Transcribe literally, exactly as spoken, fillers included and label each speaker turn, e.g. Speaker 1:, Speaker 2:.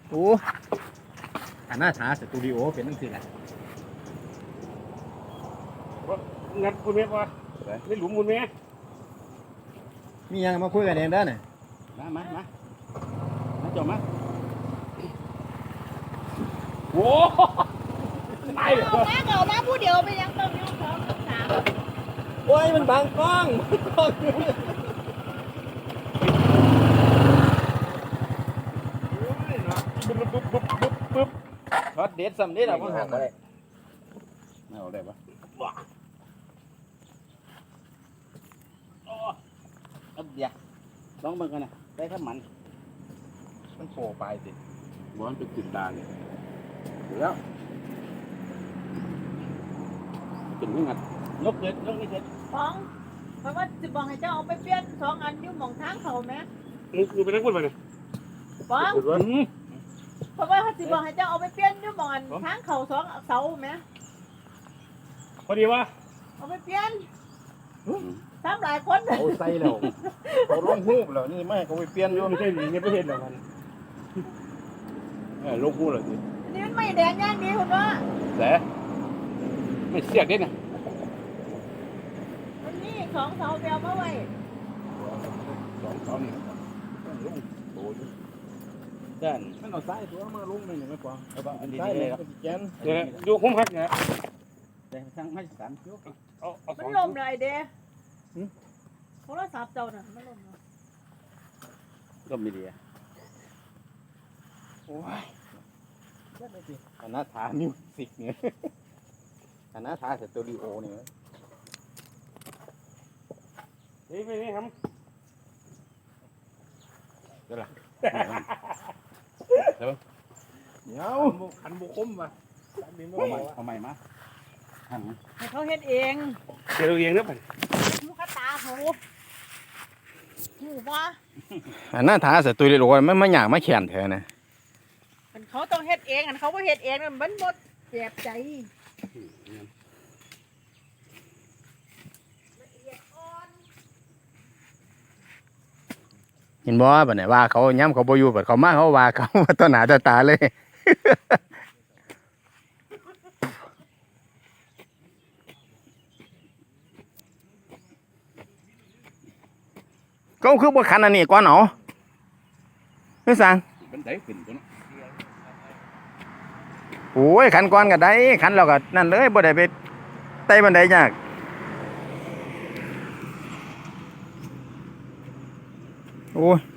Speaker 1: โอ้อันน่าช้าสตูดิโอเป็นตั้งสี่แหละ
Speaker 2: งัดคุณแม่ป่ะไม่หลุมคุณแม่
Speaker 1: มียังมาคุยกันเองได้เนี่ย
Speaker 2: มามามามาจบมาโว้ไม่
Speaker 3: เอามาเอามาผู้เดียวไปยังต้องยุ่งสองสาม
Speaker 1: โอ้ยมันบังกล้องกล้อง
Speaker 2: ปุ๊บปุ๊บปุ๊บปุ๊บปุ๊บ
Speaker 1: ช็อตเด็ดสำเร็จเราก็หันเลย
Speaker 2: ไม่เอาได้ปะเอาเดี๋ยวลองเบิ่งกันนะได้ข้าวมัน
Speaker 1: มันโผล่ไปสิ
Speaker 2: บอลเป็นกลิ่นดาเนี่ยเดี๋ยวกินไม่งัดยกเกิดยกนี่เกิด
Speaker 3: ฟองเพราะว่าจะบอกให้เจ้าเอาไปเปลี่ยนสองอันอยู่หมองทางเขาไหม
Speaker 2: มึงกูไปนั่งพูดไปเนี่ย
Speaker 3: ฟองเพราะว่าเขาจะบอกให้เจ้าเอาไปเปลี่ยนอยู่หมองอันทางเขาสองเสาไหม
Speaker 2: พอดีว่า
Speaker 3: เอาไปเปลี่ยนทำหลายคน
Speaker 1: เขาใส่แล้วเขาลงหูบแล้วนี่ไม่เขาไปเปลี่ยน
Speaker 2: โยมไม่ใช่หนีในประเทศเหรอมันเออลงพูดเลยสิ
Speaker 3: นี่มันไม่แดงย่างดีคุณว่า
Speaker 2: แต่ไม่เสียกได้นะ
Speaker 3: มันนี่ของเสาเดียวมาไว้
Speaker 2: สองสองนี่ลงโตอยู่ด้าน
Speaker 1: มันเอาใส่ตัวมาลงนี่ไม่กว่า
Speaker 2: เอาบ้างอันดี
Speaker 1: ใส่
Speaker 2: เล
Speaker 1: เลย ย
Speaker 2: ครับ
Speaker 1: แกน
Speaker 2: เดี๋ยวดูคุ้มครับเนี่ยแต่ทั้งให้สามคิ้วเอาเอาส
Speaker 3: มั
Speaker 2: อน ง
Speaker 3: ลมเลยเด้โทรศัพท์เจ้าน่ะมันลม
Speaker 2: ก็มีดี
Speaker 1: โอ้ยอันน่าทามิวสิกเนี่ยอันน่าทาสตูดิโอเนี่ย
Speaker 2: นี่ไม่นี่ครับ
Speaker 1: เดี๋ยว
Speaker 2: ขันบุคมมาเอาใหม่เอาใหม่มาหัน
Speaker 3: ให้เขาเฮ็ดเอง
Speaker 2: เจอเองนะไป
Speaker 3: หูกระตาหูหูว่า
Speaker 1: อันน่าทาสตูดิโอมันมาหยางมาแขนเธอนะ
Speaker 3: อันเขาต้องเฮ็ดเองอันเขาบ่เฮ็ดเองมันหมดเจ็บใจละเอียดอ่อน
Speaker 1: เห็นบ่บัดเนี่ยว่าเขาย้ำเขาบ่อยู่บัดเขามาเขาว่าเขาต่อหน้าต่อตาเลยก็คือบ่คันอันนี้ก่อนเนาะไม่สั่ง
Speaker 2: เป็นไดขึ้นตัวนั้น
Speaker 1: โอ้ยคันก่อนก็ได้คันเราก็นั่นเลยบ่ได้ไปไต่บันไดยากโอ้ย